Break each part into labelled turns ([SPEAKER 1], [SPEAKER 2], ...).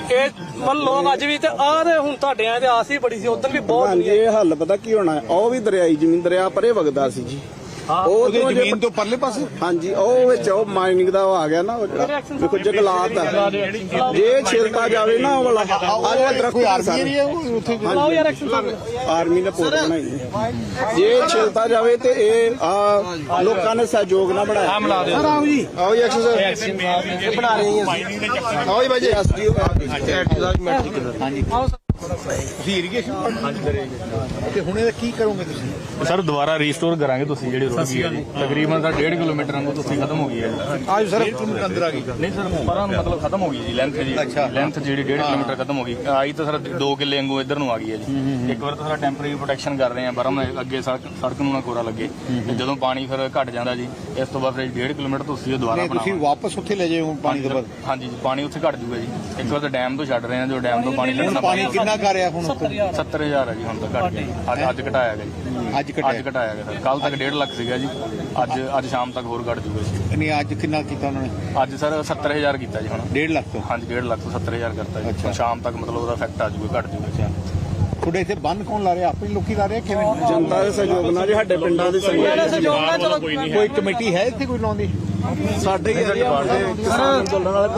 [SPEAKER 1] ਇਹ ਮਨ ਲੋਕ ਅੱਜ ਵੀ ਤੇ ਆਹ ਤੇ ਹੁਣ ਤੁਹਾਡੇ ਆਏ ਤੇ ਆਸ ਹੀ ਬੜੀ ਸੀ ਉਦੋਂ ਵੀ ਬਹੁਤ
[SPEAKER 2] ਹਾਂਜੀ ਇਹ ਹੱਲ ਪਤਾ ਕੀ ਹੋਣਾ, ਉਹ ਵੀ ਦਰਿਆਈ ਜ਼ਮੀਨ ਦਰਿਆ ਪਰੇ ਵਗਦਾ ਸੀ ਜੀ, ਉਹ ਜ਼ਮੀਨ ਤੋਂ ਪਰਲੇ ਪਾਸੇ। ਹਾਂਜੀ ਉਹ ਵਿੱਚ ਉਹ ਮਾਈਨਿੰਗ ਦਾ ਆ ਗਿਆ ਨਾ, ਦੇਖੋ ਜੰਗਲਾਤ ਆ, ਜੇ ਛਿਲਤਾ ਜਾਵੇ ਨਾ ਉਹ ਵਾਲਾ ਕੋਈ ਆਰਮੀ ਨੇ ਪੋਰਟ ਬਣਾਈ, ਜੇ ਛਿਲਤਾ ਜਾਵੇ ਤੇ ਇਹ ਆ ਲੋਕਾਂ ਨੇ ਸਹਿਯੋਗ ਨਾਲ ਬਣਾਇਆ। ਆਓ ਜੀ ਆਓ ਜੀ ਐਕਸਰਸਾਈਜ਼ ਬਣਾ ਰਹੇ ਹਾਂ, ਆਓ ਜੀ ਬਾਈ ਜੀ ਐਸਡੀਓ ਹਾਂਜੀ ਤੁਸੀਂ ਇਰੀਗੇਸ਼ਨ ਤੇ ਹੁਣ ਇਹਦਾ ਕੀ ਕਰੋਗੇ ਤੁਸੀਂ
[SPEAKER 3] ਸਰ? ਦੁਬਾਰਾ ਰੀਸਟੋਰ ਕਰਾਂਗੇ। ਤੁਸੀਂ ਜਿਹੜੀ ਰੋਡ ਗਈ ਹੈ ਜੀ ਤਕਰੀਬਨ ਤਾਂ 1.5 ਕਿਲੋਮੀਟਰ ਵਾਂਗੂ ਤੁਸੀਂ ਖਤਮ ਹੋ ਗਈ ਹੈ ਜੀ।
[SPEAKER 2] ਆਜ ਸਰ ਅੰਦਰ ਆ ਗਈ
[SPEAKER 3] ਨਹੀਂ ਸਰ ਪਰਾਂ ਮਤਲਬ ਖਤਮ ਹੋ ਗਈ ਜੀ, ਲੈਂਥ ਜੀ ਲੈਂਥ ਜਿਹੜੀ 1.5 ਕਿਲੋਮੀਟਰ ਖਤਮ ਹੋ ਗਈ। ਆਈ ਤਾਂ ਸਰ 2 ਕਿੱਲੇ ਵਾਂਗੂ ਇੱਧਰ ਨੂੰ ਆ ਗਈ ਹੈ ਜੀ। ਇੱਕ ਵਾਰ ਤਾਂ ਸਾਰਾ ਟੈਂਪਰੇਰੀ ਪ੍ਰੋਟੈਕਸ਼ਨ ਕਰ ਰਹੇ ਆ ਬਰਮ ਅੱਗੇ ਸੜਕ ਨੂੰ ਨਾ ਕੋਰਾ ਲੱਗੇ, ਤੇ ਜਦੋਂ ਪਾਣੀ ਫਿਰ ਘਟ ਜਾਂਦਾ ਜੀ ਇਸ ਤੋਂ ਬਾਅਦ ਫਿਰ 1.5 ਕਿਲੋਮੀਟਰ ਤੁਸੀਂ ਦੁਬਾਰਾ
[SPEAKER 2] ਤੁਸੀਂ ਵਾਪਸ ਉੱਥੇ ਲੈ ਜਾਓ ਪਾਣੀ ਤੋਂ ਬਾਅਦ।
[SPEAKER 3] ਹਾਂਜੀ ਪਾਣੀ ਉੱਥੇ ਘਟ ਜੂਗਾ ਜੀ। ਇੱਕ ਵਾਰ ਤਾਂ ਡੈਮ ਤੋਂ ਛੱਡ ਰਹੇ ਆ, ਜੋ ਡੈਮ ਤੋਂ ਪਾਣੀ ਛੱਡਣਾ
[SPEAKER 2] ਪਾਣੀ ਕਿੰਨਾ ਕਰ ਰਿਹਾ ਹੁਣ?
[SPEAKER 3] 70,000 ਹੈ ਜੀ ਹੁਣ ਤਾਂ ਘਟ ਗਿਆ। ਅੱਜ ਘਟਾਇਆ ਗਿਆ ਜੀ, ਅੱਜ ਘਟਾਇਆ ਗਿਆ ਸਰ। ਕੱਲ ਤੱਕ 1.5 ਲੱਖ ਸੀਗਾ ਜੀ, ਅੱਜ ਸ਼ਾਮ ਤੱਕ ਹੋਰ ਘਟ ਜੂਗਾ ਜੀ।
[SPEAKER 2] ਨਹੀਂ ਅੱਜ ਕਿੰਨਾ ਕੀਤਾ ਉਹਨਾਂ ਨੇ?
[SPEAKER 3] ਅੱਜ ਸਰ 70,000 ਕੀਤਾ ਜੀ ਹੁਣ।
[SPEAKER 2] 1.5 ਲੱਖ ਤੋਂ?
[SPEAKER 3] ਹਾਂਜੀ 1.5 ਲੱਖ ਤੋਂ 70,000 ਕਰਤਾ ਜੀ। ਹੁਣ ਸ਼ਾਮ ਤੱਕ ਮਤਲਬ ਉਹਦਾ ਇਫੈਕਟ ਆ ਜੂਗਾ, ਘਟ ਜੂਗਾ।
[SPEAKER 2] ਤੁਹਾਡੇ ਇੱਥੇ ਬੰਨ ਕੌਣ ਲਾ ਰਿਹਾ? ਆਪਣੇ ਲੋਕੀ ਲਾ ਰਹੇ ਕਿਵੇਂ? ਜਨਤਾ ਦੇ ਸਹਿਯੋਗ ਨਾਲ ਜੀ, ਸਾਡੇ ਪਿੰਡਾਂ ਦੇ
[SPEAKER 1] ਸਹਿਯੋਗ ਨਾਲ।
[SPEAKER 2] ਕੋਈ ਕਮੇਟੀ ਹੈ ਇੱਥੇ ਕੋਈ ਲਾਉਂਦੀ? ਸਾਡੇ ਹੀ ਕਿਸਾਨ ਅੰਦੋਲਨ ਵਾਲੇ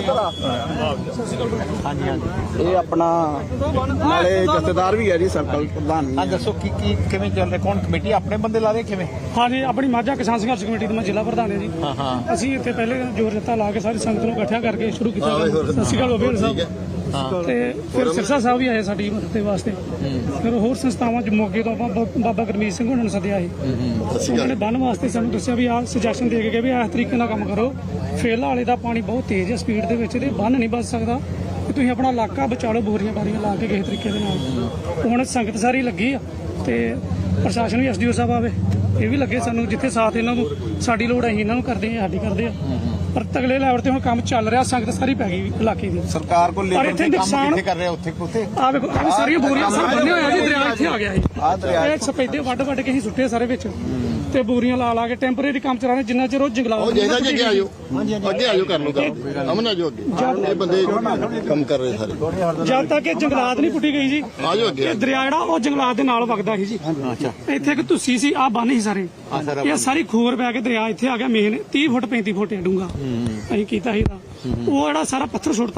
[SPEAKER 2] ਹਾਂਜੀ ਹਾਂਜੀ ਇਹ ਆਪਣਾ ਨਾਲੇ ਜਥੇਦਾਰ ਵੀ ਹੈ ਜੀ, ਸਰਕਲ ਪ੍ਰਧਾਨ ਵੀ। ਹਾਂ ਦੱਸੋ ਕੀ ਕਿਵੇਂ ਚੱਲ ਰਿਹਾ? ਕੌਣ ਕਮੇਟੀ ਆਪਣੇ ਬੰਦੇ ਲਾ ਰਹੇ ਕਿਵੇਂ?
[SPEAKER 4] ਹਾਂਜੀ ਆਪਣੀ ਮਾਝਾ ਕਿਸਾਨ ਸੰਘਰਸ਼ ਕਮੇਟੀ ਦਾ ਮੈਂ ਜ਼ਿਲ੍ਹਾ ਪ੍ਰਧਾਨ ਹਾਂ ਜੀ। ਅਸੀਂ ਇੱਥੇ ਪਹਿਲੇ ਜੋਰ ਜੱਤਾ ਲਾ ਕੇ ਸਾਰੀ ਸੰਗਤ ਨੂੰ ਇਕੱਠਿਆ ਕਰਕੇ ਸ਼ੁਰੂ ਕੀਤਾ। ਸਤਿ ਸ਼੍ਰੀ ਅਕਾਲ ਬਾਬੇ ਸਾਹਿਬ। ਤੇ ਫਿਰ ਸਿਰਸਾ ਸਾਹਿਬ ਵੀ ਆਏ ਸਾਡੀ ਮਦਦ ਦੇ ਵਾਸਤੇ। ਫਿਰ ਹੋਰ ਸੰਸਥਾਵਾਂ ਮੋਗੇ ਤੋਂ ਆਪਾਂ ਬਾਬਾ ਗੁਰਮੀਤ ਸਿੰਘ ਉਹਨਾਂ ਨੂੰ ਸੱਦਿਆ ਸੀ। ਉਹਨਾਂ ਨੇ ਬੰਨ ਵਾਸਤੇ ਸਾਨੂੰ ਦੱਸਿਆ ਵੀ ਆਹ ਸੁਜੈਸ਼ਨ ਦੇ ਕੇ ਗਏ ਵੀ ਇਸ ਤਰੀਕੇ ਨਾਲ ਕੰਮ ਕਰੋ। ਫੇਲਾ ਵਾਲੇ ਦਾ ਪਾਣੀ ਬਹੁਤ ਤੇਜ਼ ਹੈ ਸਪੀਡ ਦੇ ਵਿੱਚ, ਤੇ ਬੰਨ ਨਹੀਂ ਬਚ ਸਕਦਾ। ਤੁਸੀਂ ਆਪਣਾ ਇਲਾਕਾ ਬਚਾ ਲਓ ਬੋਰੀਆਂ ਬਾਰੀਆਂ ਲਾ ਕੇ ਕਿਸੇ ਤਰੀਕੇ ਦੇ ਨਾਲ। ਹੁਣ ਸੰਗਤ ਸਾਰੀ ਲੱਗੀ ਆ ਤੇ ਪ੍ਰਸ਼ਾਸਨ ਵੀ ਐਸਡੀਓ ਸਾਹਿਬ ਆਵੇ, ਇਹ ਵੀ ਲੱਗੇ ਸਾਨੂੰ। ਜਿੱਥੇ ਸਾਥ ਇਹਨਾਂ ਨੂੰ ਸਾਡੀ ਲੋੜ ਹੈ ਇਹਨਾਂ ਨੂੰ ਕਰਦੇ ਆ, ਸਾਡੀ ਕਰਦੇ ਆ। ਪਰ ਤਗਲੇ ਲੈਵਲ ਤੇ ਹੁਣ ਕੰਮ ਚੱਲ ਰਿਹਾ, ਸੰਗਤ ਸਾਰੀ ਪੈ ਗਈ ਇਲਾਕੇ ਦੀ।
[SPEAKER 2] ਸਰਕਾਰ ਕੋਲ ਲੈ ਕੇ ਕੰਮ ਕਿੱਥੇ ਕਰ ਰਿਹਾ? ਉੱਥੇ
[SPEAKER 4] ਆ ਵੇਖੋ ਆ ਸਾਰੀਆਂ ਬੋਰੀਆਂ ਸਭ ਬੰਨੇ ਹੋਇਆ ਜੀ, ਦਰਿਆ ਇੱਥੇ ਆ ਗਿਆ ਜੀ। ਇਹ ਸਪੈਦੇ ਵੱਢ ਕੇ ਅਸੀਂ ਸੁੱਟੇ ਸਾਰੇ ਵਿੱਚ, ਤੇ ਬੋਰੀਆਂ ਲਾ ਕੇ ਟੈਂਪਰੇਰੀ ਕੰਮ ਚਲਾ ਰਹੇ ਜਿੰਨਾ ਚਿਰ ਉਹ ਜੰਗਲਾਤ।
[SPEAKER 5] ਅੱਗੇ ਆਇਓ ਕਰ ਲਓ ਅਮਨ ਆਜੋ ਅੱਗੇ, ਇਹ ਬੰਦੇ ਕੰਮ ਕਰ ਰਹੇ ਸਾਰੇ।
[SPEAKER 4] ਜਦ ਤੱਕ ਇਹ ਜੰਗਲਾਤ ਨਹੀਂ ਪੁੱਟੀ ਗਈ ਜੀ,
[SPEAKER 5] ਆਜੋ ਅੱਗੇ।
[SPEAKER 4] ਦਰਿਆ ਜਿਹੜਾ ਉਹ ਜੰਗਲਾਤ ਦੇ ਨਾਲ ਵਗਦਾ ਸੀ ਜੀ। ਇੱਥੇ ਇੱਕ ਧੁੱਸੀ ਸੀ, ਆ ਬੰਨ ਸੀ ਸਾਰੇ, ਇਹ ਸਾਰੀ ਖੋਰ ਪੈ ਕੇ ਦਰਿਆ ਇੱਥੇ ਆ ਗਿਆ ਮੇਨ 30 ਫੁੱਟ 35 ਫੁੱਟ ਡੂੰਘਾ। ਅਸੀਂ ਕੀਤਾ ਸੀ ਉਹ ਜਿਹੜਾ ਸਾਰਾ ਪੱਥਰ ਸੁੱਟਤਾ,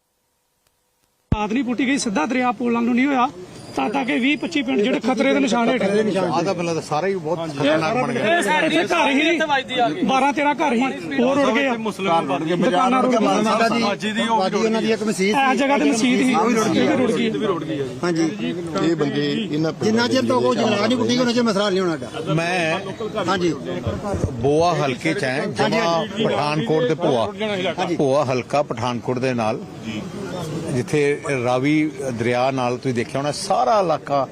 [SPEAKER 4] ਜੰਗਲਾਤ ਨਹੀਂ ਪੁੱਟੀ ਗਈ, ਸਿੱਧਾ ਦਰਿਆ ਪੋਲਾਂ ਨੂੰ ਨਹੀਂ ਹੋਇਆ। ਤਾਂ ਤੱਕ 20-25 ਪਿੰਡ ਜਿਹੜੇ ਖਤਰੇ ਦੇ ਨਿਸ਼ਾਨ ਹੇਠ
[SPEAKER 2] ਆਦਾ ਪਹਿਲਾਂ ਤਾਂ ਸਾਰਾ ਹੀ ਬਹੁਤ ਖਤਰਨਾਕ ਬਣ ਗਿਆ।
[SPEAKER 4] ਇੱਥੇ ਘਰ ਹੀ 12-13 ਘਰ ਹੀ ਹੋਰ ਉੜ ਗਏ ਆ, ਦੁਕਾਨਾਂ ਰੁੜ ਗਈਆਂ।
[SPEAKER 2] ਉਹਨਾਂ ਦੀ ਇੱਕ ਮਸਜਿਦ
[SPEAKER 4] ਇਸ ਜਗ੍ਹਾ ਤੇ ਮਸਜਿਦ ਸੀ, ਉਹ ਵੀ ਰੁੜ ਗਈ।
[SPEAKER 2] ਹਾਂਜੀ
[SPEAKER 5] ਇਹ ਬੰਦੇ
[SPEAKER 2] ਜਿੰਨਾ ਚਿਰ ਤੋਂ ਕੋਈ ਜੰਗਲਾਤ ਨਹੀਂ ਪੁੱਟੀ ਉਹਨਾਂ ਚਿਰ ਮਸਲਾ ਨਹੀਂ ਹੋਣਾ। ਮੈਂ ਹਾਂਜੀ ਬੋਆ ਹਲਕੇ ਚ ਹੈ, ਜਮਾ ਪਠਾਨਕੋਟ ਦੇ ਭੋਆ ਹਲਕਾ ਪਠਾਨਕੋਟ ਦੇ ਨਾਲ, ਜਿੱਥੇ ਰਾਵੀ ਦਰਿਆ ਨਾਲ ਤੁਸੀਂ ਦੇਖਿਆ ਹੋਣਾ ਸਾਰਾ ਇਲਾਕਾ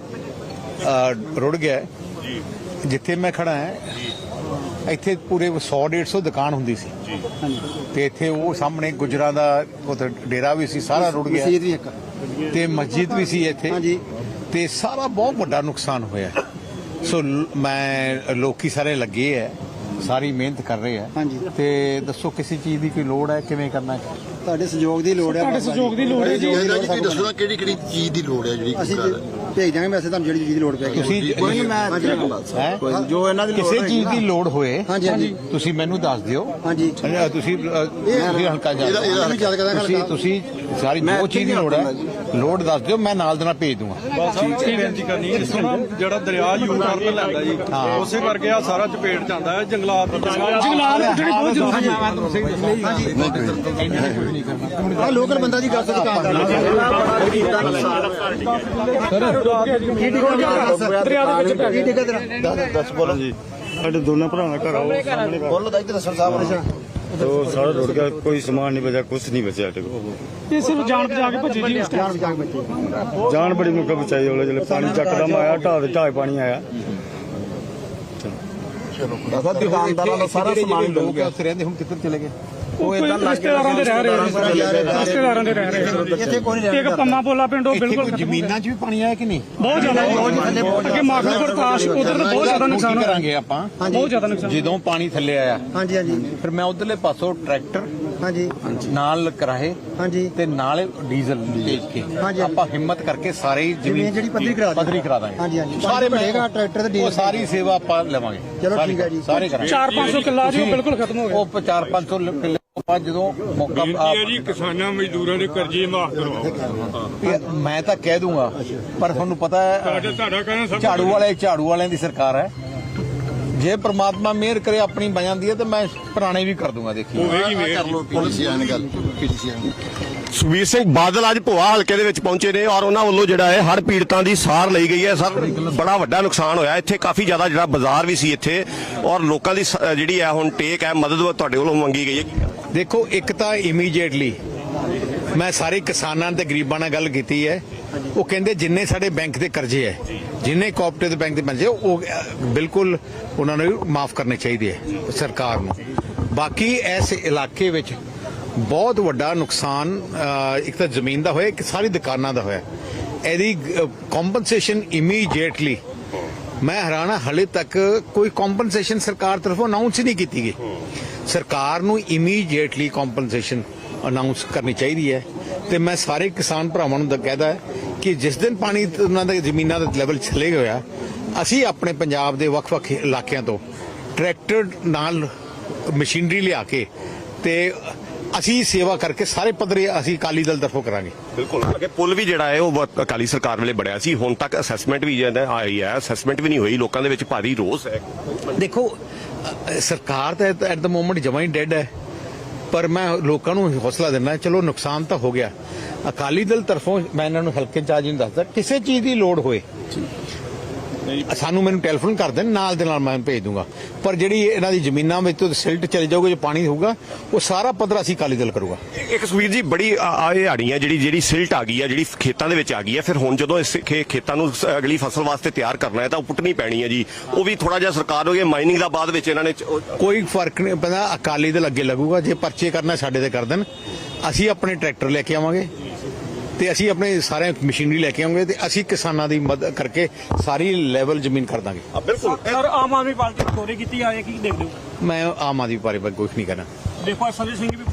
[SPEAKER 2] ਰੁੜ ਗਿਆ ਹੈ। ਜਿੱਥੇ ਮੈਂ ਖੜਾ ਹਾਂ ਇੱਥੇ ਪੂਰੇ 100-150 ਦੁਕਾਨ ਹੁੰਦੀ ਸੀ, ਤੇ ਇੱਥੇ ਉਹ ਸਾਹਮਣੇ ਗੁਜਰਾਂ ਦਾ ਉੱਥੇ ਡੇਰਾ ਵੀ ਸੀ, ਸਾਰਾ ਰੁੜ ਗਿਆ। ਤੇ ਮਸਜਿਦ ਵੀ ਸੀ ਇੱਥੇ, ਤੇ ਸਾਰਾ ਬਹੁਤ ਵੱਡਾ ਨੁਕਸਾਨ ਹੋਇਆ। ਸੋ ਮੈਂ ਲੋਕੀ ਸਾਰੇ ਲੱਗੇ ਹੈ, ਸਾਰੀ ਮਿਹਨਤ ਕਰ ਰਹੇ ਆ। ਤੇ ਦੱਸੋ ਕਿਸੇ ਚੀਜ਼ ਦੀ ਕੋਈ ਲੋੜ ਹੈ, ਕਿਵੇਂ ਕਰਨਾ ਹੈ? ਤੁਹਾਡੇ ਸਹਿਯੋਗ ਦੀ ਲੋੜ ਹੈ।
[SPEAKER 4] ਤੁਹਾਡੇ ਸਹਿਯੋਗ ਦੀ ਲੋੜ ਹੈ ਜੀ।
[SPEAKER 5] ਤੁਸੀਂ ਦੱਸੋ ਕਿਹੜੀ ਚੀਜ਼ ਦੀ ਲੋੜ ਹੈ ਜਿਹੜੀ
[SPEAKER 2] ਅਸੀਂ ਭੇਜ ਦਾਂਗੇ ਮੈਸੇਜ ਤੁਹਾਨੂੰ ਜਿਹੜੀ ਚੀਜ਼ ਦੀ ਲੋੜ ਪੈਗੀ। ਤੁਸੀਂ ਜੋ ਇਹਨਾਂ ਦੀ
[SPEAKER 6] ਕਿਸੇ ਚੀਜ਼ ਦੀ ਲੋੜ ਹੋਏ ਤੁਸੀਂ ਮੈਨੂੰ ਦੱਸ ਦਿਓ।
[SPEAKER 2] ਹਾਂਜੀ
[SPEAKER 6] ਤੁਸੀਂ ਹਲਕਾ ਜਾ ਤੁਸੀਂ ਸਾਰੀ ਜੋ ਚੀਜ਼ ਦੀ ਲੋੜ ਹੈ ਲੋੜ ਦੱਸ ਦਿਓ, ਮੈਂ ਨਾਲ ਦੇ ਨਾਲ ਭੇਜ ਦੂੰਗਾ।
[SPEAKER 7] ਬੇਨਤੀ ਕਰਨੀ ਹੈ ਜਿਹੜਾ ਦਰਿਆ ਯੂ ਟਰਨ ਲੈਂਦਾ ਜੀ, ਉਸੇ ਕਰਕੇ ਆ ਸਾਰਾ ਚਪੇਟ ਜਾਂਦਾ ਹੈ। ਜੰਗਲਾਤ
[SPEAKER 4] ਪੁੱਟਣੀ ਬਹੁਤ ਜ਼ਰੂਰੀ
[SPEAKER 2] ਹੈ। ਲੋਕਲ ਬੰਦਾ ਜੀ ਕਰ ਸਕਦਾ
[SPEAKER 5] ਦੱਸ ਬੋਲੋ ਜੀ।
[SPEAKER 7] ਸਾਡੇ ਦੋਨਾਂ ਭਰਾਵਾਂ ਦਾ ਘਰ ਆਓ ਸਾਹਮਣੇ
[SPEAKER 5] ਬੋਲੋ ਤਾਂ ਇੱਧਰ ਸਰ ਸਾਹਿਬ।
[SPEAKER 7] तो सारा रुड़ गया, कोई सामान नहीं बचा, कुछ नहीं बचा।
[SPEAKER 4] ਇਹ ਸਿਰਫ ਜਾਨ ਬਚਾ ਕੇ ਭੱਜੀ ਜੀ।
[SPEAKER 7] जान बड़ी मुक्का बचाई होले जब पानी चकदम आया, ढाह पानी आया।
[SPEAKER 2] ਦੁਕਾਨਦਾਰਾਂ ਦਾ ਸਾਰਾ ਸਮਾਨ ਡੁੱਬ ਗਿਆ। ਉੱਥੇ ਰਹਿੰਦੇ ਹੁਣ ਕਿੱਧਰ ਚਲੇ ਗਏ?
[SPEAKER 4] ਉਹ ਇਦਾਂ ਰਿਸ਼ਤੇਦਾਰਾਂ ਦੇ ਰਹਿ ਰਹੇ।
[SPEAKER 2] ਇੱਥੇ ਕੋਈ ਨਹੀਂ
[SPEAKER 4] ਇੱਕ ਪੰਮਾ ਪੋਲਾ ਪਿੰਡ ਉਹ ਬਿਲਕੁਲ
[SPEAKER 6] ਜ਼ਮੀਨਾਂ 'ਚ ਵੀ ਪਾਣੀ ਆਇਆ ਕਿ ਨਹੀਂ?
[SPEAKER 4] ਬਹੁਤ ਜ਼ਿਆਦਾ। ਅੱਗੇ ਮਾਖਲਪੁਰ ਤਾਸ਼ ਉਧਰ ਤਾਂ ਬਹੁਤ ਜ਼ਿਆਦਾ ਨੁਕਸਾਨ
[SPEAKER 6] ਕਰਾਂਗੇ ਆਪਾਂ।
[SPEAKER 4] ਬਹੁਤ ਜ਼ਿਆਦਾ ਨੁਕਸਾਨ
[SPEAKER 6] ਜਦੋਂ ਪਾਣੀ ਥੱਲੇ ਆਇਆ
[SPEAKER 2] ਹਾਂਜੀ
[SPEAKER 6] ਫਿਰ ਮੈਂ ਉਧਰਲੇ ਪਾਸੋਂ ਟਰੈਕਟਰ
[SPEAKER 8] ਹਾਂਜੀ
[SPEAKER 6] ਨਾਲ ਕਿਰਾਏ
[SPEAKER 8] ਹਾਂਜੀ
[SPEAKER 6] ਤੇ ਨਾਲ ਡੀਜ਼ਲ ਭੇਜ ਕੇ
[SPEAKER 8] ਹਾਂਜੀ।
[SPEAKER 6] ਆਪਾਂ ਹਿੰਮਤ ਕਰਕੇ ਸਾਰੇ ਹੀ
[SPEAKER 8] ਜ਼ਮੀਨ ਜਿਹੜੀ ਪੱਧਰੀ ਕਰਾ ਦਾਂਗੇ।
[SPEAKER 6] ਦਾਂਗੇ
[SPEAKER 8] ਹਾਂਜੀ।
[SPEAKER 6] ਸਾਰੇ
[SPEAKER 8] ਮਿਲੇਗਾ ਟਰੈਕਟਰ ਤੇ
[SPEAKER 6] ਉਹ
[SPEAKER 8] ਡੀਜ਼ਲ
[SPEAKER 6] ਸਾਰੀ ਸੇਵਾ ਆਪਾਂ ਲਵਾਂਗੇ।
[SPEAKER 8] ਚਲੋ
[SPEAKER 6] ਸਾਰੀ
[SPEAKER 8] ਠੀਕ ਹੈ ਜੀ।
[SPEAKER 6] ਸਾਰੇ ਕਰਾਂਗੇ।
[SPEAKER 4] 400-500 ਕਿੱਲਾ ਜੀ ਉਹ ਬਿਲਕੁਲ ਖਤਮ ਹੋ ਗਿਆ।
[SPEAKER 6] ਉਹ 400-500 ਕਿੱਲੇ ਤੋਂ ਬਾਅਦ ਜਦੋਂ ਮੌਕਾ
[SPEAKER 7] ਜੀ ਕਿਸਾਨਾਂ ਮਜ਼ਦੂਰਾਂ ਦੇ ਕਰਜ਼ੇ ਮਾਫ ਕਰਵਾਓ।
[SPEAKER 6] ਮੈਂ ਤਾਂ ਕਹਿ ਦੂੰਗਾ ਪਰ ਤੁਹਾਨੂੰ ਪਤਾ ਹੈ
[SPEAKER 7] ਤੁਹਾਡਾ ਕਹਿਣਾ ਸਭ
[SPEAKER 6] ਝਾੜੂ ਵਾਲਿਆਂ ਦੀ ਸਰਕਾਰ ਹੈ। ਜੇ ਪ੍ਰਮਾਤਮਾ ਮਿਹਰ ਕਰੇ ਆਪਣੀ ਬਣ ਜਾਂਦੀ ਹੈ ਤੇ ਮੈਂ ਪੁਰਾਣੇ ਵੀ ਕਰ ਦੂੰਗਾ। ਦੇਖੀ
[SPEAKER 7] ਹੋਵੇਗੀ ਮੇਰ
[SPEAKER 5] ਕਰ ਲਓ ਪੀਡੀਸੀਆਂ ਨੇ ਗੱਲ ਪੀਡੀਸੀਆਂ ਨੇ।
[SPEAKER 9] ਸੁਖਬੀਰ ਸਿੰਘ ਬਾਦਲ ਅੱਜ ਭੋਆ ਹਲਕੇ ਦੇ ਵਿੱਚ ਪਹੁੰਚੇ ਨੇ ਔਰ ਉਹਨਾਂ ਵੱਲੋਂ ਜਿਹੜਾ ਹੈ ਹੜ੍ਹ ਪੀੜਤਾਂ ਦੀ ਸਾਰ ਲਈ ਗਈ ਹੈ। ਸਰ ਬੜਾ ਵੱਡਾ ਨੁਕਸਾਨ ਹੋਇਆ ਇੱਥੇ, ਕਾਫੀ ਜ਼ਿਆਦਾ ਜਿਹੜਾ ਬਾਜ਼ਾਰ ਵੀ ਸੀ ਇੱਥੇ ਔਰ ਲੋਕਾਂ ਦੀ ਜਿਹੜੀ ਹੈ ਹੁਣ ਟੇਕ ਹੈ ਮਦਦ ਤੁਹਾਡੇ ਵੱਲੋਂ ਮੰਗੀ ਗਈ ਹੈ।
[SPEAKER 6] ਦੇਖੋ, ਇੱਕ ਤਾਂ ਇਮੀਡੀਏਟਲੀ ਮੈਂ ਸਾਰੇ ਕਿਸਾਨਾਂ ਤੇ ਗਰੀਬਾਂ ਨਾਲ ਗੱਲ ਕੀਤੀ ਹੈ। ਉਹ ਕਹਿੰਦੇ ਜਿੰਨੇ ਸਾਡੇ ਬੈਂਕ ਦੇ ਕਰਜ਼ੇ ਹੈ, ਜਿੰਨੇ ਕੋਆਪਰੇਟਿਵ ਬੈਂਕ ਦੇ ਕਰਜ਼ੇ ਉਹ ਬਿਲਕੁਲ ਉਹਨਾਂ ਨੂੰ ਮਾਫ ਕਰਨੇ ਚਾਹੀਦੇ ਹੈ ਸਰਕਾਰ ਨੂੰ। ਬਾਕੀ ਇਸ ਇਲਾਕੇ ਵਿੱਚ ਬਹੁਤ ਵੱਡਾ ਨੁਕਸਾਨ ਇੱਕ ਤਾਂ ਜ਼ਮੀਨ ਦਾ ਹੋਇਆ, ਇੱਕ ਸਾਰੀ ਦੁਕਾਨਾਂ ਦਾ ਹੋਇਆ। ਇਹਦੀ ਕੰਪਨਸੇਸ਼ਨ ਇਮੀਡੀਏਟਲੀ, ਮੈਂ ਹੈਰਾਨ ਹਾਂ ਹਲੇ ਤੱਕ ਕੋਈ ਕੰਪਨਸੇਸ਼ਨ ਸਰਕਾਰ ਤਰਫੋਂ ਅਨਾਉਂਸ ਹੀ ਨਹੀਂ ਕੀਤੀ ਗਈ। ਸਰਕਾਰ ਨੂੰ ਇਮੀਡੀਏਟਲੀ ਕੰਪਨਸੇਸ਼ਨ ਅਨਾਉਂਸ ਕਰਨੀ ਚਾਹੀਦੀ ਹੈ। ਤੇ ਮੈਂ ਸਾਰੇ ਕਿਸਾਨ ਭਰਾਵਾਂ ਨੂੰ ਕਹਿਦਾ ਹੈ ਕਿ ਜਿਸ ਦਿਨ ਪਾਣੀ ਉਹਨਾਂ ਦੇ ਜ਼ਮੀਨਾਂ ਦਾ ਲੈਵਲ ਚਲੇ ਗਿਆ, ਅਸੀਂ ਆਪਣੇ ਪੰਜਾਬ ਦੇ ਵੱਖ-ਵੱਖ ਇਲਾਕਿਆਂ ਤੋਂ ਟਰੈਕਟਰ ਨਾਲ ਮਸ਼ੀਨਰੀ ਲਿਆ ਕੇ ਤੇ ਅਸੀਂ ਸੇਵਾ ਕਰਕੇ ਸਾਰੇ ਪੱਧਰੇ ਅਸੀਂ ਅਕਾਲੀ ਦਲ ਤਰਫੋਂ ਕਰਾਂਗੇ।
[SPEAKER 9] ਬਿਲਕੁਲ ਅੱਗੇ ਪੁਲ ਵੀ ਜਿਹੜਾ ਹੈ ਉਹ ਅਕਾਲੀ ਸਰਕਾਰ ਵੇਲੇ ਬਣਿਆ ਸੀ, ਹੁਣ ਤੱਕ ਅਸੈਸਮੈਂਟ ਵੀ ਜਿਹੜਾ ਆਈ ਹੈ, ਅਸੈਸਮੈਂਟ ਵੀ ਨਹੀਂ ਹੋਈ। ਲੋਕਾਂ ਦੇ ਵਿੱਚ ਭਾਰੀ ਰੋਸ ਹੈ।
[SPEAKER 6] ਦੇਖੋ, ਸਰਕਾਰ ਤਾਂ ਐਟ ਦ ਮੋਮੈਂਟ ਜਮਾਂ ਹੀ ਡੈਡ ਹੈ, ਪਰ ਮੈਂ ਲੋਕਾਂ ਨੂੰ ਹੌਸਲਾ ਦਿੰਦਾ, ਚਲੋ ਨੁਕਸਾਨ ਤਾਂ ਹੋ ਗਿਆ। ਅਕਾਲੀ ਦਲ ਤਰਫੋਂ ਮੈਂ ਇਹਨਾਂ ਨੂੰ ਹਲਕੇ ਇੰਚਾਰਜ ਨੂੰ ਦੱਸਦਾ, ਕਿਸੇ ਚੀਜ਼ ਦੀ ਲੋੜ ਹੋਏ ਮੈਨੂੰ ਟੈਲੀਫੋਨ ਕਰ ਦੇਣ, ਨਾਲ ਦੇ ਨਾਲ ਮੈਂ ਭੇਜ ਦੂੰਗਾ। ਪਰ ਜਿਹੜੀ ਇਹਨਾਂ ਦੀ ਜ਼ਮੀਨਾਂ ਵਿੱਚ ਤੋਂ ਸਿਲਟ ਚਲੇ ਜਾਊਗਾ, ਜੋ ਪਾਣੀ ਹੋਊਗਾ ਉਹ ਸਾਰਾ ਪੱਧਰ ਅਸੀਂ ਅਕਾਲੀ ਦਲ ਕਰੂਗਾ।
[SPEAKER 9] ਇੱਕ ਸੁਖਬੀਰ ਜੀ ਬੜੀ ਹਾੜੀ ਹੈ ਜਿਹੜੀ ਸਿਲਟ ਆ ਗਈ ਹੈ, ਜਿਹੜੀ ਖੇਤਾਂ ਦੇ ਵਿੱਚ ਆ ਗਈ ਹੈ। ਫਿਰ ਹੁਣ ਜਦੋਂ ਇਸ ਖੇਤਾਂ ਨੂੰ ਅਗਲੀ ਫਸਲ ਵਾਸਤੇ ਤਿਆਰ ਕਰਨਾ ਹੈ ਤਾਂ ਉਹ ਪੁੱਟਣੀ ਪੈਣੀ ਹੈ ਜੀ। ਉਹ ਵੀ ਥੋੜਾ ਜਿਹਾ ਸਰਕਾਰ ਹੋ ਗਈ ਮਾਈਨਿੰਗ ਦਾ ਬਾਅਦ ਵਿੱਚ ਇਹਨਾਂ ਨੇ
[SPEAKER 6] ਕੋਈ ਫਰਕ ਨਹੀਂ ਪੈਂਦਾ। ਅਕਾਲੀ ਦਲ ਅੱਗੇ ਲੱਗੂਗਾ, ਜੇ ਪਰਚੇ ਕਰਨਾ ਸਾਡੇ ਤੇ ਕਰ ਦੇਣ। ਅਸੀਂ ਆਪਣੇ ਟਰੈਕਟਰ ਲੈ ਕੇ ਆਵਾਂਗੇ ਤੇ ਅਸੀਂ ਆਪਣੇ ਸਾਰੇ ਮਸ਼ੀਨਰੀ ਲੈ ਕੇ ਆਵਾਂਗੇ ਤੇ ਅਸੀਂ ਕਿਸਾਨਾਂ ਦੀ ਮਦਦ ਕਰਕੇ ਸਾਰੀ ਲੈਵਲ ਜ਼ਮੀਨ ਕਰ ਦਾਂਗੇ।
[SPEAKER 9] ਬਿਲਕੁਲ
[SPEAKER 4] ਸਰ, ਆਮ ਆਦਮੀ ਪਾਰਟੀ ਚੋਰੀ ਕੀਤੀ ਆਏ ਕੀ ਦੇਖਦੇ ਹੋ?
[SPEAKER 6] ਮੈਂ ਆਮ ਆਦਮੀ ਪਾਰਟੀ ਬਾਰੇ ਕੁਝ ਨਹੀਂ ਕਹਿਣਾ।
[SPEAKER 4] ਦੇਖੋ ਸੰਜੇ ਸਿੰਘ ਵੀ